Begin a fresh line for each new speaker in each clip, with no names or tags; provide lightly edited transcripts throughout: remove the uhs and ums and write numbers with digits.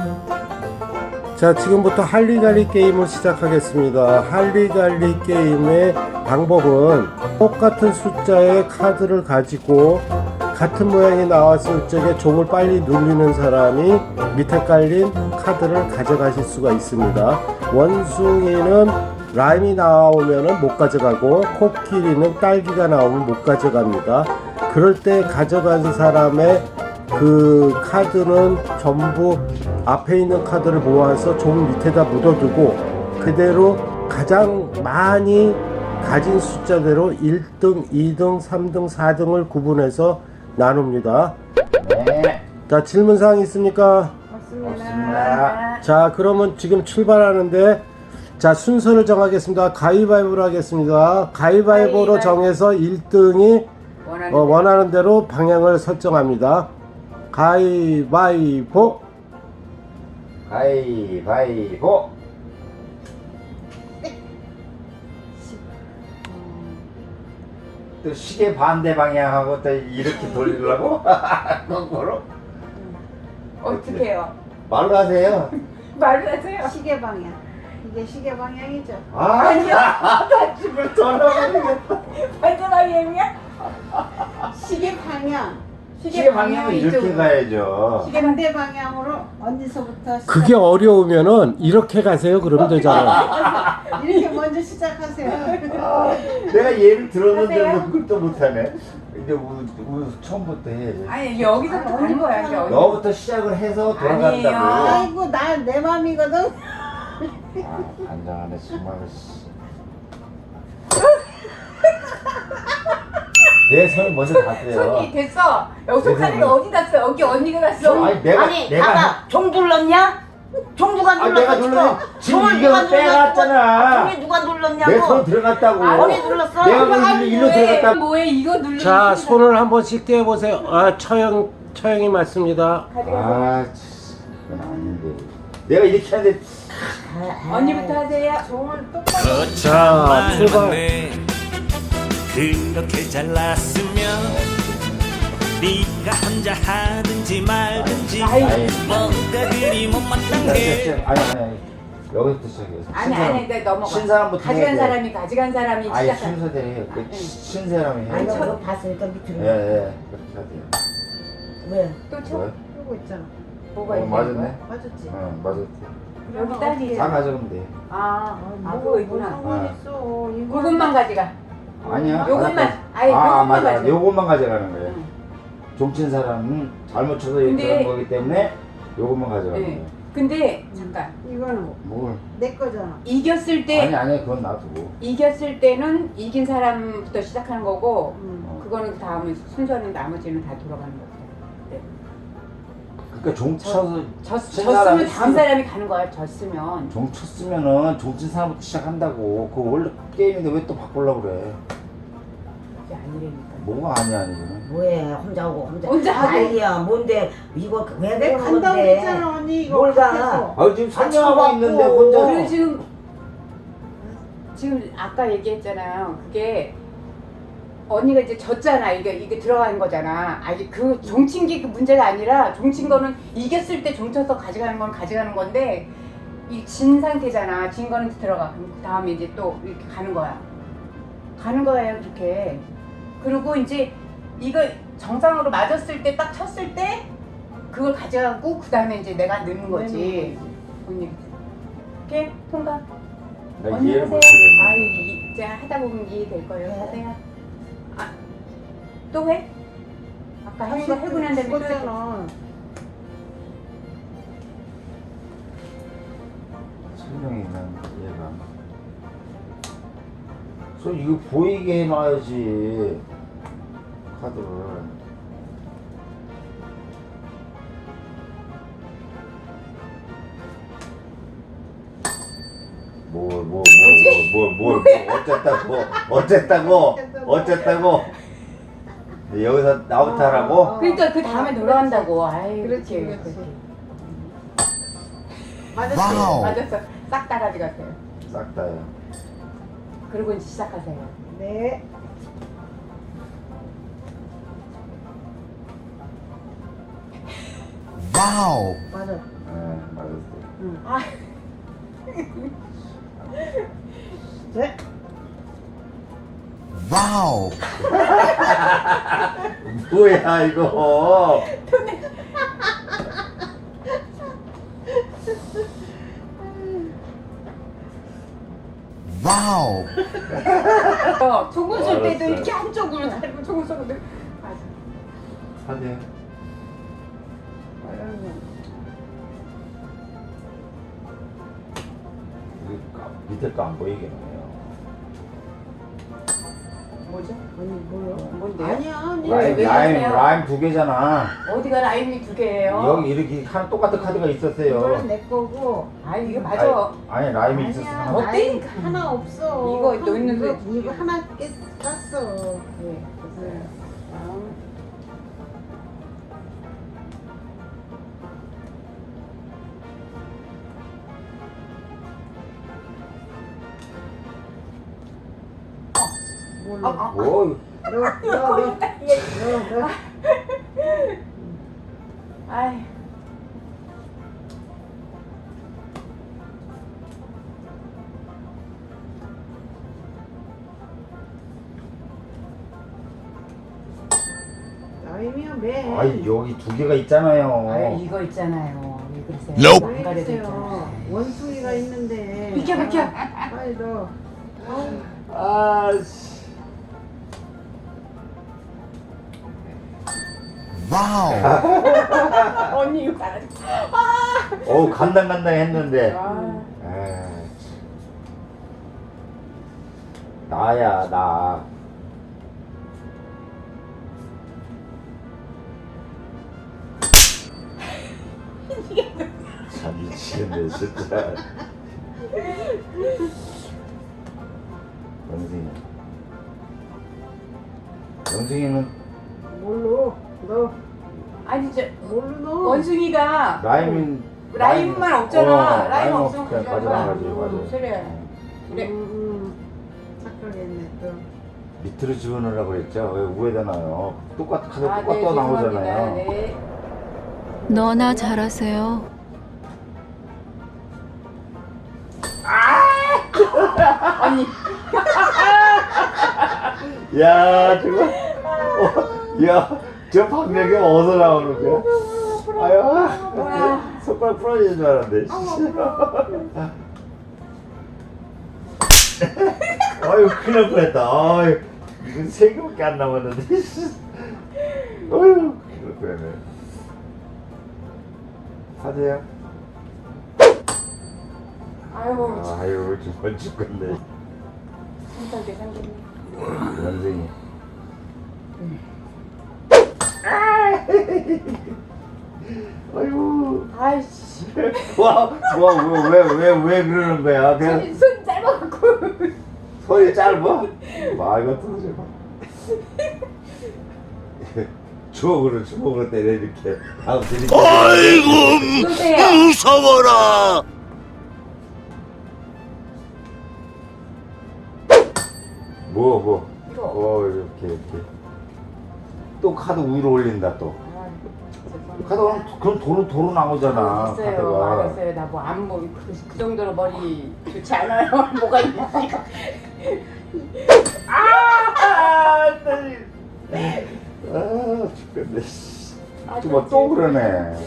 자, 지금부터 할리갈리 게임을 시작하겠습니다. 할리갈리 게임의 방법은 똑같은 숫자의 카드를 가지고 같은 모양이 나왔을 적에 종을 빨리 눌리는 사람이 밑에 깔린 카드를 가져가실 수가 있습니다. 원숭이는 라임이 나오면 못 가져가고 코끼리는 딸기가 나오면 못 가져갑니다. 그럴 때 가져간 사람의 그 카드는 전부 앞에 있는 카드를 모아서 종 밑에다 묻어두고 그대로 가장 많이 가진 숫자대로 1등, 2등, 3등, 4등을 구분해서 나눕니다.
네.
자, 질문사항 있습니까?
없습니다.
자, 그러면 지금 출발하는데, 자, 순서를 정하겠습니다. 가위바위보로 하겠습니다. 가위바위보로 정해서 1등이 원하는 대로 방향을 설정합니다. 가위바위보.
가위바위보. 또 시계 반대 방향하고 또 이렇게 돌리려고? 거꾸로?
어떻게 해요?
말로 하세요.
말을 하세요.
시계 방향. 이게 시계 방향이죠.
아니요.
집을 돌아버리겠다.
반대방향이야?
시계 방향.
시계 방향은 이렇게 가야죠.
반대 방향으로 어디서부터
그게 어려우면은 이렇게 가세요. 그러면 되잖아요.
이렇게 먼저 시작하세요.
내가 예를 들었는데
하세요?
뭐 그걸 또 못하네. 이제 처음부터 해야지.
아니 여기서부터 가는 거야. 이제 어디?
너부터 시작을 해서 돌아간다고.
아니에요.
아이고 나 내 맘이거든.
아, 안장하네 정말. 내 손을 먼저 닿대요.
손이 됐어. 여기
내
손가락이
손이.
어디 갔어? 여기 언니가 갔어.
아니 내가
아까 종 눌렀냐? 종 누가
아,
눌렀어?
내가 눌렀지. 지금
종을
이거
누가 눌렀어?
빼갔잖아.
종이 누가 눌렀냐고?
내 손 들어갔다고.
언니 눌렀어?
내가 그 일로 들어갔다고.
뭐해 이거 누르는
자, 손을 한 번씩 떼어보세요. 아, 처형이 맞습니다.
아, 그건 아닌데. 내가 이렇게 하는데
언니부터 하세요.
종을 똑바로.
자, 출발.
그렇게 잘났으면 네가 혼자 하든지 말든지 뭔가 그리 못마땅 게
아니 여기부터 시작해서.
아니 근데 넘어가.
신사람부터
가져간
해야 돼.
사람이 가져간 사람이
아니
시작한.
순서대로 해. 그 신사람이 해.
아니 저거 봤으니까 밑으로.
예, 그렇게 해야 돼요.
왜?
또 쳐?
뭐야?
그러고 있잖아.
뭐가
어,
있는
맞았네.
거야?
맞았지.
어, 맞았지.
여기 딸기.
다 가져가면 돼.
그거 있구나.
상관 있어. 이거
그것만 가져가.
아니야.
요것만.
맞았다.
아니 요것만
맞아.
가져가.
요것만 가져가는 거예요.
응.
종친 사람은 잘못 쳐서
근데-
이렇게 한 거기 때문에 요것만 가져가는
네.
거예요.
근데 잠깐
이거는
뭘?
내 거잖아.
이겼을 때
아니 그건 놔두고.
이겼을 때는 이긴 사람부터 시작하는 거고
음.
그거는 그 다음에 순서는 나머지는 다 돌아가는 거죠. 네.
그러니까 종 쳐서
졌으면 다음 사람이 가는 거야. 졌으면.
종 쳤으면은 종친 사람부터 시작한다고. 그거 원래 게임인데 왜 또 바꾸려고 그래?
그게 아니라니까.
뭐가 아니야 아니면.
뭐해? 혼자 오고
혼자 하고.
아니야 뭔데 이거 왜
내가
그러는
간다고
건데?
했잖아 언니 이거.
뭘 가?
밖에서.
아 지금 설명하고
쳐갖고.
있는데 혼자.
그리고 지금 아까 얘기했잖아요. 그게 언니가 이제 졌잖아. 이게 들어가는 거잖아. 아니 그 종친 게 그 문제가 아니라 종친 거는 이겼을 때 종쳐서 가져가는 건 가져가는 건데 이 진 상태잖아. 진 거는 들어가. 그럼 그 다음에 이제 또 이렇게 가는 거야. 가는 거예요 그렇게. 그리고 이제 이거 정상으로 맞았을 때 딱 쳤을 때 그걸 가져가고 그 다음에 이제 내가 넣는 거지. 언니 이렇게 통과.
나
언니
이해를
하세요.
못하겠네.
아유 이제 하다 보면 이해될 거예요. 하세요. 아, 또 해? 아까 한 거 해고 난 다음에 또 해.
죽었잖아.
설명이 난 이해가 안 가. 저 이거 보이게 해놔야지 카드를. 뭘 어쨌다고 여기서 나부터 하라고?
그러니까 그 다음에 돌아간다고. 아이
그렇지,
이렇게.
그렇지.
맞았어.
와우.
맞았어. 싹 다 가져갔어요.
싹 다요.
그리고 이제 시작하세요.
네.
와우.
맞아.
네,
아,
네.
와우. 뭐야 이거? 와우.
조금 쓸 때도
알았어요.
이렇게 한쪽으로 달고 조금 쏠 때도. 맞아.
하세요. 밑에 거 안 보이게 해요.
뭐죠?
아니 뭐요?
뭔데요?
아니야 아니.
왜
라임
그러세요?
라임 두 개잖아.
어디가 라임이 두 개예요?
여기 이렇게 하나 똑같은 카드가 있었어요.
이거는 내 거고.
아 이게 맞아.
아니 라임이 있었어.
아니야.
하나.
어때니까?
라임 하나 없어.
이거 또 있는데.
이거 하나 깠어.
네, 됐어요. 다음.
몰라.
뭐
너.
아이.
라임이요 매.
아니 여기 두 개가 있잖아요.
아 이거 있잖아요. 왜 그러세요?
Nope.
안 가려져
모르겠어요.
있잖아요.
원숭이가 있는데.
비켜, 비켜.
빨리 넣어.
아씨. 와우.
언니 이거 잘하지.
어우 간당간당 했는데.
아,
에이, 나야 나. 참 미치겠네 진짜. 영승이. 영승이는
뭘로? 너
아니 저
뭘로 넣어?
원숭이가 라임만 없잖아. 라임 없으면
그냥
가져가.
가져가야지 맞아.
그래. 그래.
착하겠네 또.
밑으로 집어넣으라고 그랬죠? 왜 위에다 놔요? 똑같은 카드
아,
똑같이
네,
나오잖아요.
죄송합니다. 네.
너나 잘하세요.
언니.
야, 저거. 야, 저 박력이 어디서 나오는 거야? 아유, 손가락 부러지는 줄 알았는데. 아유, 큰일 날 뻔했다. 아유, 이건 세 개밖에 안 남았는데. 아유, 큰일 날 뻔했네. 하세요.
아유,
아유, 정말 죽겠네.
삼성대 삼성대.
원숭이. 아유.
아이씨.
왜 그러는 거야? 그냥
손 짧아갖고.
손이 짧아? 와, 이거 떨어져. 주먹으로 때려, 이렇게. 다음 드릴게.
아이고
쏘세요.
무서워라.
뭐.
이거.
이렇게. 또 카드 위로 올린다, 또.
아, 죄송합니다.
카드, 그럼 도로 나오잖아,
됐어요.
카드가.
알았어요. 나 뭐 안 뭐 그 정도로 머리 좋지 않아요. 뭐가 있는지.
죽겠네. 또 그러네.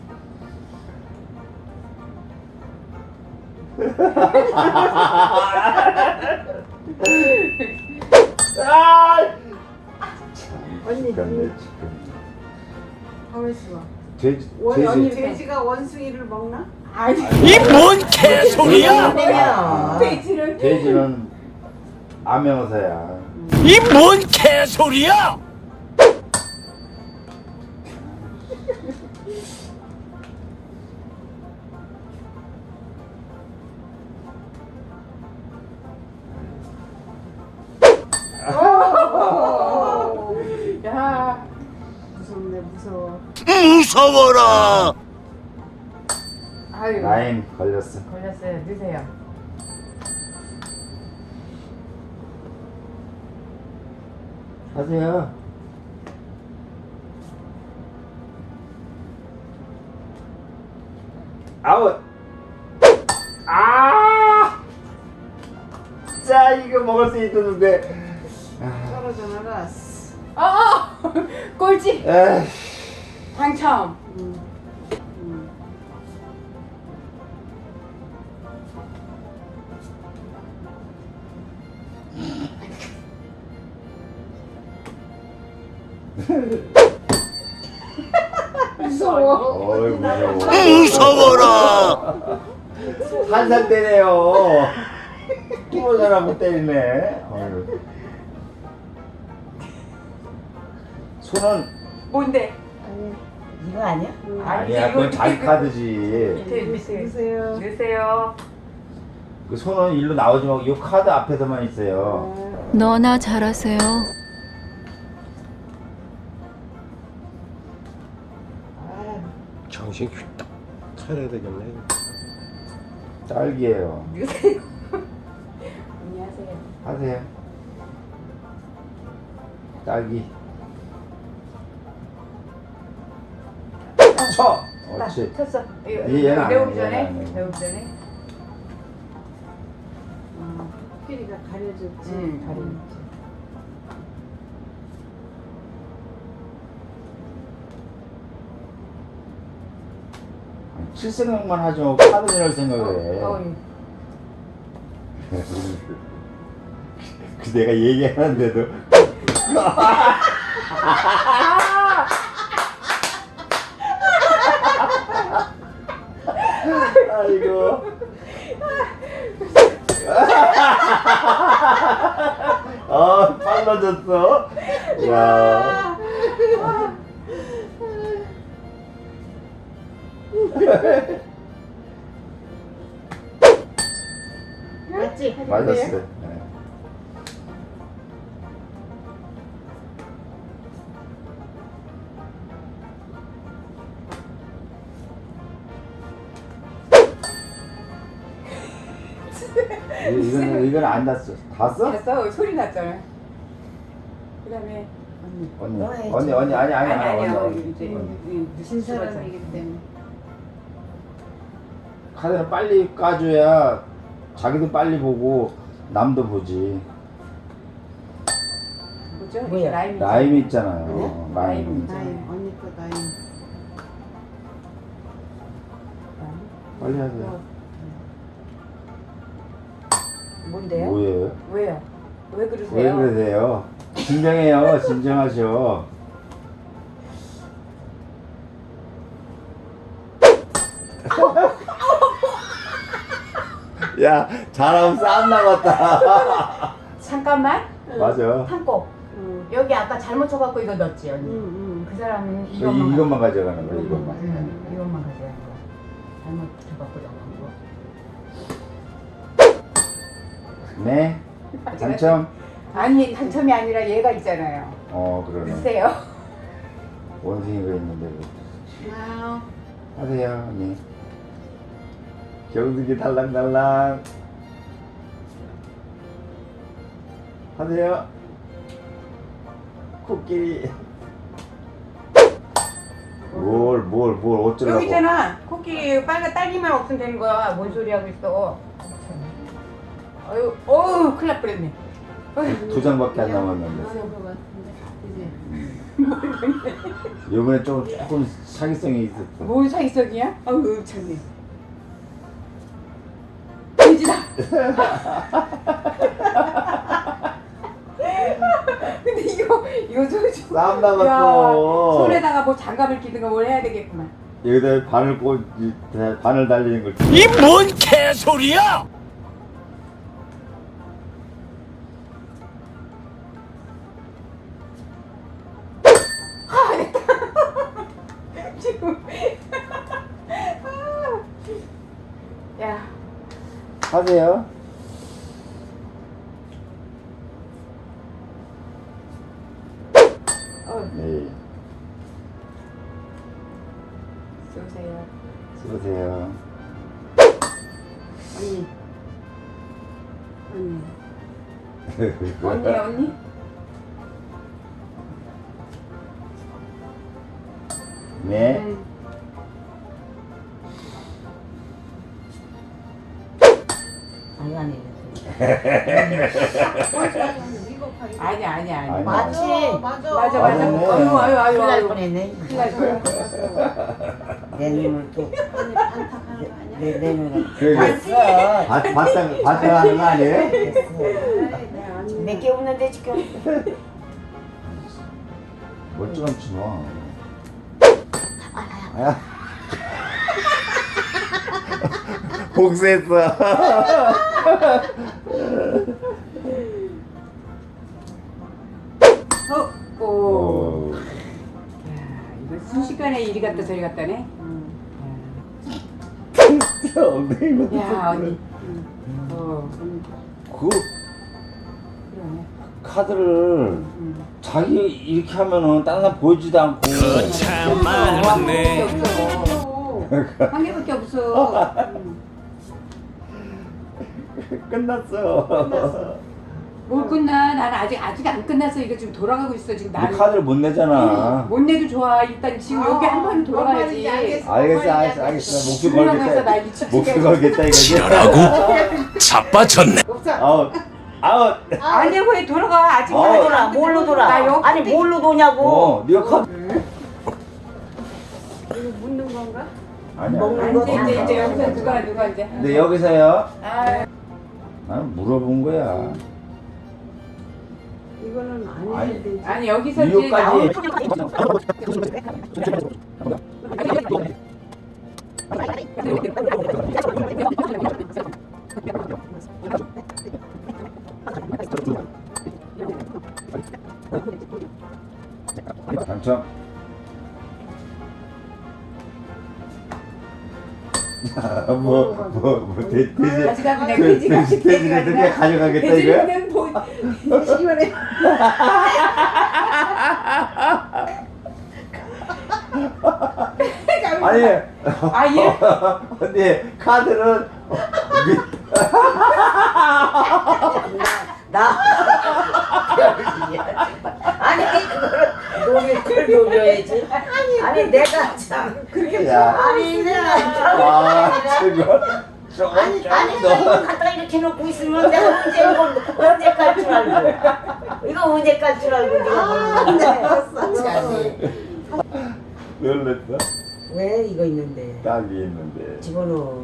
언니
죽겠네.
가만 있어봐.
돼지.
언니
돼지가 원숭이를 먹나?
아니.
이 뭔 개소리야?
되면
돼지를.
돼지는 암명어사야.
이 뭔 개소리야?
야.
무섭네 무서워.
무서워라.
아유.
라임 걸렸어.
걸렸어요. 드세요.
하세요. 아웃. 아! 자, 이거 먹을 수 있었는데.
떨어져 나가.
꼴찌
에이.
당첨. 무서워.
어이, 무서워.
무서워라.
한살 때네요. 키보자라고 때리네. 어휴. 손은
뭔데?
이거 아니야?
아니야, 그건 자기 카드지.
밑에
보세요.
넣으세요.
그 손은 일로 나오지 말고 이 카드 앞에서만 있어요.
너나 잘하세요.
정신 휘딱 차려야 되겠네.
딸기예요.
넣으세요. 안녕하세요.
하세요. 딸기. 쳐. 옳지.
쳤어.
얘는 안
배우기
해,
전에.
얘는 안 해.
배우기 전에.
코끼리가 가려졌지.
가리지.
칠 생각만 하지 말고 카드 내할 생각을 해. 그 내가 얘기하는데도 아이고. 빨라졌어. 야.
맞지?
맞았어. 네. 이건 안 났어. 다 써?
됐어. 소리 났잖아. 그다음에
언니 아니
아니야.
언니.
이제
진 사람이기 때문에.
카드는 빨리 까줘야 자기도 빨리 보고 남도 보지.
뭐죠?
뭐야?
라임이죠.
라임 있잖아요. 라임.
나임 언니 거 나임.
빨리 하세요.
뭔데요?
뭐예요?
왜요? 왜
왜
그러세요?
그러세요? 진정해요. 진정하셔. 야, 잘하면 싸움 나갔다.
잠깐만.
맞아.
한코 여기 아까 잘못 쳐갖고 이거 넣었지 언니. 그 사람은 이것만
이것만 가져가는 거야. 이것만.
이것만 가져가는 거야. 잘못 쳐갖고 넣은 거.
네. 당첨.
아니 당첨이 아니라 얘가 있잖아요.
그러네.
주세요.
원숭이가 있는데.
아우.
하세요, 언니. 경숙이 달랑달랑. 하세요. 코끼리. 뭘 어쩌라고.
여기 있잖아. 코끼리 빨간 딸기만 없으면 되는 거야. 뭔 소리 하고 있어. 아유, 어우, 큰일 날 뻔했네. 어휴.
2장밖에 안 남았는데. 이번에 조금 사기성이 있었어.
뭔 사기성이야? 아유, 참네. 돼지다. 근데 이거 좀
싸움 나갔어.
손에다가 뭐 장갑을 끼든가 뭘 해야 되겠구만.
여기다 바늘 달리는 걸.
이 뭔 개소리야?
지금. 야.
하세요. 네.
쏘세요.
쏘세요.
언니.
언니?
네.
아니 아니.
아니.
아니.
맞지?
맞아.
맞아.
맞았네.
아유.
큰일 날 뻔했네.
큰일 날 뻔.
내 눈을 또.
언니 반탁하는 거 아니야?
내 눈을.
그게
됐어.
바탕하는 거 아니에요?
됐어. 몇개 없는데 지금.
멀쩡한 놈. 복수했어.
오. 이거 순식간에 이리 갔다 저리 갔다네.
엉덩이
야 언니.
그
그러네.
카드를 자기 이렇게 하면은 다른 사람 보이지도 않고
참 많네.
한 개밖에 없어.
끝났어.
뭘 끝나? 나는 아직 안 끝났어. 이거 지금 돌아가고 있어 지금
네
나는.
카드를 못 내잖아.
못 내도 좋아. 일단 지금 여기 한 번 돌아가야지.
알겠어. 목숨
불안해서 나
걸겠다.
미치겠어.
목숨 걸겠다 이거지.
지랄하고 자빠졌네.
아웃.
아니야 왜 돌아가? 아직
어.
아직
돌아
안
뭘로
끝났어.
돌아?
나 여기
아니 뭘로 도냐고?
네가 카드.
이거 묻는 건가?
아니야.
먹는 거
이제 여기서 누가 이제.
근데 여기서요.
아,
물어본 거야.
이거는 안
아니.
해야 되지.
아니 여기서 이제
이거까지. 당첨. 돼지.
가져가 그냥 돼지가
돼지를 그냥 가져가겠다
돼지를
이거야?
그냥
이번에
아니.
아예
근데 카드는
나. 아니 그걸 노려야지. 아니 내가 참.
야.
아니 내가
아, 저거.
아니 이거 갖다 이렇게 놓고 있으면 내가 언제 깔 줄 알고 이거 언제 깔 줄 알고 내가 모르는데
놀랬어?
왜 이거 있는데
딱 위에 있는데.
집어넣어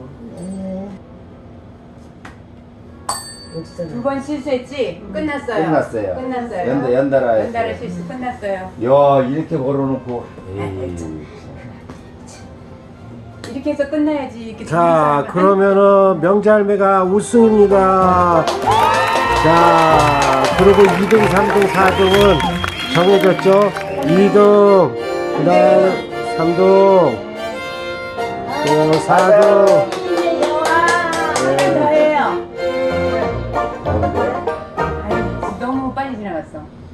여기서
두 번 실수했지? 끝났어요.
끝났어요. 연달아 했어요.
연달아 실수 끝났어요.
야, 이렇게 걸어놓고. 에이.
이렇게 해서 끝나야지. 이렇게
자,
재밌어.
그러면은 명자할매가 우승입니다. 자, 그리고 2등, 3등, 4등은 정해졌죠? 2등, 그 다음 3등, 4등,